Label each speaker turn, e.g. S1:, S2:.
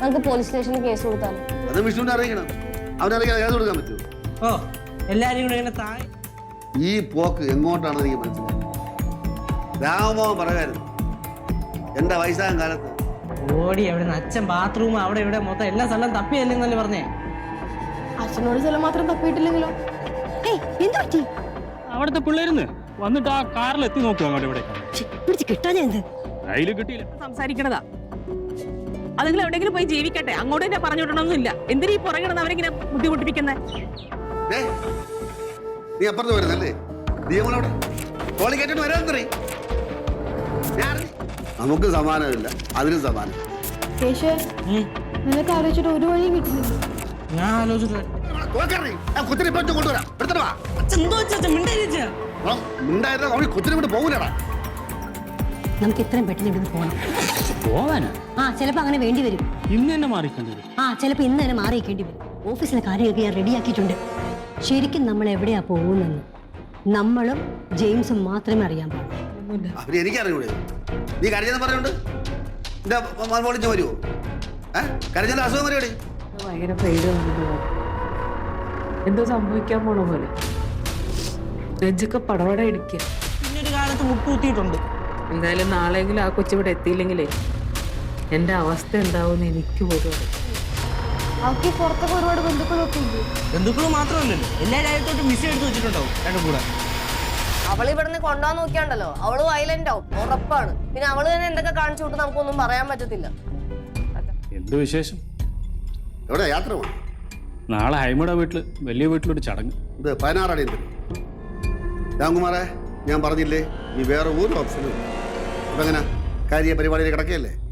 S1: നമുക്ക് പോലീസ് സ്റ്റേഷനിൽ കേസ് കൊടുത്താലോ?
S2: അത് വിഷ്ണുവിനെ അറിയിക്കണം. അവനറിയാൻ കേസ് കൊടുക്കാൻ പറ്റുമോ?
S3: ഓ എല്ലാരും കൂടെ ഇങ്ങനെ താഴെ.
S2: ഈ പോക്ക് എങ്ങോട്ടാണെന്ന് എനിക്ക് മനസ്സിലായി. രാമമോഹൻ പറയായിരുന്നു എന്റെ വയസ്സാം കാലത്ത്
S3: ഓടി അവിടെ അച്ഛൻ ബാത്റൂം അവിടെ ഇവിടെ മൊത്തം എല്ലാ സ്ഥലം തപ്പിയല്ലെന്നല്ലേ പറഞ്ഞേ.
S1: അച്ഛനോട് ചില മാത്രം തപ്പിയിട്ടില്ലെങ്കിലോ?
S4: അവിടുത്തെ പിള്ളേരുന്ന് വന്നിട്ട് ആ കാറിൽ എത്തി നോക്കുക അങ്ങോട്ട് ഇവിടെ കിട്ടിയില്ല.
S5: സംസാരിക്കണതാ. അതുങ്ങൾ എവിടെയെങ്കിലും പോയി ജീവിക്കട്ടെ, അങ്ങോട്ട് തന്നെ പറഞ്ഞു വിടണമെന്നില്ല. എന്തിനാ ഈ പുറകിടന്ന് അവരെങ്ങനെ ബുദ്ധിമുട്ടിപ്പിക്കുന്നത്?
S2: നീ അപ്പുറത്ത് വരുന്നല്ലേ? നമുക്ക് സമാനമില്ല, അതിനും സമാനം.
S1: നിനക്ക് ആലോചിച്ചിട്ട് ഒരു വഴിയും കിട്ടുന്നില്ല.
S3: ഞാൻ ആലോചിച്ചിട്ട്
S6: നമുക്ക് എത്രയും പെട്ടെന്ന് ഇവിടുന്ന് പോകണം.
S4: പോവാനാ?
S6: ചിലപ്പോ അങ്ങനെ വേണ്ടി വരും.
S4: ഇന്ന് തന്നെ മാറിക്കേണ്ടി വരും.
S6: ചിലപ്പോ ഇന്ന് തന്നെ മാറിയേക്കേണ്ടി വരും. ഓഫീസിലെ കാര്യമൊക്കെ ഞാൻ റെഡിയാക്കിയിട്ടുണ്ട്. ശരിക്കും നമ്മൾ എവിടെയാ പോകുന്നെന്ന് നമ്മളും ജെയിംസും മാത്രമേ അറിയാൻ പാടുള്ളൂ.
S2: എനിക്കറിയൂടെ നീ കരഞ്ഞെന്ന് പറഞ്ഞോണ്ട് എന്റെ മോളിച്ച് വരുമോ? കരഞ്ഞ അസുഖം വരുമോടെ?
S5: ഭയങ്കര പേടി എന്തോ സംഭവിക്കാൻ പോണ പോലെ നെഞ്ചൊക്കെ പടവട ഇടിക്കുക.
S3: പിന്നൊരു കാലത്ത് മുട്ടുകുത്തിയിട്ടുണ്ട്.
S5: എന്തായാലും നാളെയെങ്കിലും ആ കൊച്ചിവിടെ എത്തിയില്ലെങ്കിലേ എന്റെ അവസ്ഥ എന്താവുമെന്ന് എനിക്ക് പോലും അറിയാം.
S1: അവർക്ക് പുറത്തൊക്കെ ഒരുപാട് ബന്ധുക്കളൊക്കെ ഉണ്ട്.
S3: ബന്ധുക്കൾ മാത്രമല്ലല്ലോ, എല്ലാ രാജ്യത്തോട്ടും വിസ എടുത്ത് വെച്ചിട്ടുണ്ടാവും രണ്ടും കൂടെ.
S1: അവള് ഇവിടുന്ന് കൊണ്ടുപോകാൻ നോക്കിയാണ്ടല്ലോ അവള് വയലന്റ് ആവും, ഉറപ്പാണ്. പിന്നെ അവള് തന്നെ എന്തൊക്കെ കാണിച്ചു വിട്ട് നമുക്കൊന്നും പറയാൻ പറ്റത്തില്ല.
S4: എന്ത് വിശേഷം?
S2: എവിടെ യാത്ര പോകണം?
S4: നാളെ ഹൈമയുടെ വീട്ടില് വലിയ വീട്ടിലൊരു ചടങ്ങ്.
S2: ഇത് 16 അടി രാംകുമാറെ, ഞാൻ പറഞ്ഞില്ലേ നീ വേറെ ഒരു ഓപ്ഷനും. അപ്പൊ എങ്ങനെ കാര്യ പരിപാടിയിൽ കിടക്കുകയല്ലേ?